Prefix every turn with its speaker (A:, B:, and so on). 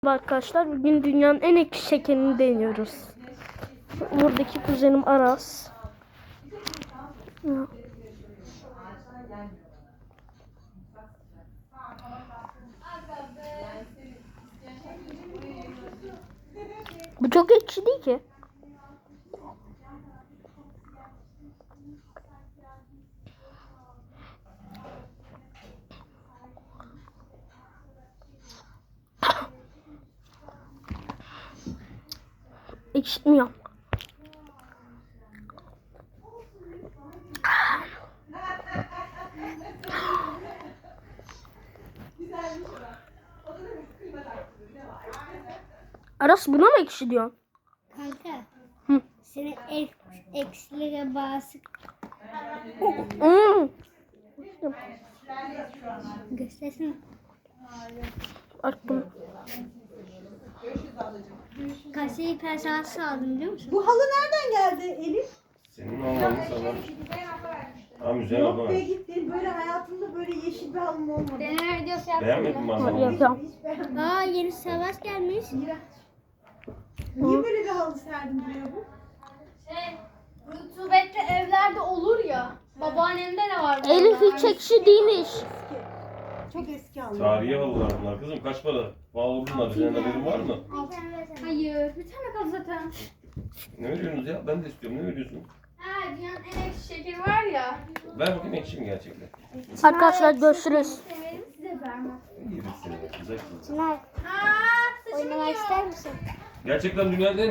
A: Arkadaşlar bugün dünyanın en ekşi şekerini deniyoruz. Buradaki kuzenim Aras. Bu çok ekşi değil ki. Ekşitmiyor. Aras buna mı ekşi diyorsun?
B: Kanka.
A: Hı.
B: Senin eksilere bağısı göstersin.
A: Bak bunu.
B: Kasayı personelsiz aldım biliyor musun?
C: Bu halı nereden geldi Elif?
D: Senin olmanı sana. Ha müzeye
C: Yok be
D: bakma.
C: gitti. Böyle hayatımda böyle yeşil bir halım olmadı.
B: Deneme videosu yaptım.
D: Beğenmedin mi
A: Hadi
D: anlamı?
A: yapalım.
C: Hiç beğenmedim.
B: Aa yeni savaş gelmiş.
C: Niye böyle bir halı serdin buraya bu?
E: Rutubetli evlerde olur ya. Babaannemde ne var?
A: Elif hiç ekşi değilmiş.
C: Çok eski halı.
D: Tarihi halılar bunlar kızım. Kaç para? Pahalı bunlar. Senin haberin var mı?
E: Hayır. Bir tane kaldı zaten.
D: Ne veriyorsunuz ya? Ben de istiyorum. Ne veriyorsun?
E: Ha dünyanın en ekşi şekeri var ya.
D: Ver bakayım ekşi mi gerçekten?
A: Arkadaşlar görüşürüz.
E: Severim size vermem.
D: İyi bir sene. Güzel kızım.
B: Çınar
E: Aa saçımı
B: oynamak
E: yiyor.
B: ister misin?
D: Gerçekten dünyanın en